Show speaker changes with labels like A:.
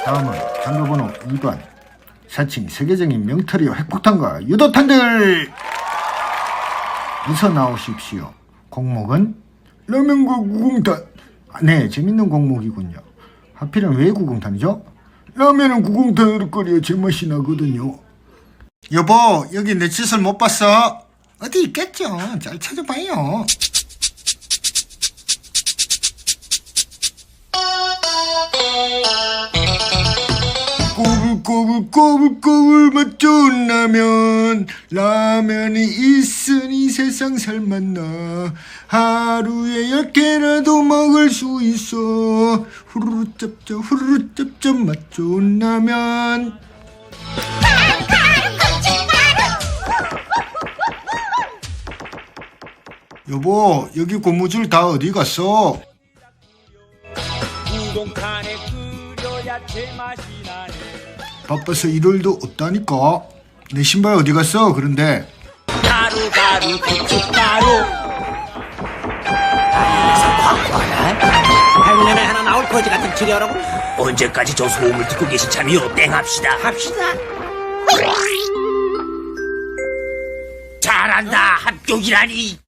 A: 다음은 장르번호 2번 사칭 세계적인 명털이요 핵폭탄과 유도탄들 어서 나오십시오. 곡목은 라면과 구공탄. 네, 재밌는 곡목이군요. 하필은 왜 구공탄이죠? 라면은 구공탄으로 끓여 제맛이 나거든요. 여보, 여기 내 짓을 못 봤어? 어디 있겠죠. 잘 찾아봐요. 꼬불꼬불꼬불꼬불 맛 좋은 라면이 있으니 세상 살맛나. 하루에 10개라도 먹을 수 있어. 후루루 짭짭 맛 좋은 라면. 여보, 여기 고무줄 다 어디 갔어?
B: 우동칸에 끓여야 제맛이 나네.
A: 바빠서 일요일도 없다니까. 내 신발 어디 갔어? 그런데
B: 가루 고춧가루.
C: 백년에 하나 나올 거지 같은 치료라고?
B: 언제까지 저 소음을 듣고 계신 참이요? 땡합시다. 잘한다. 합격이라니.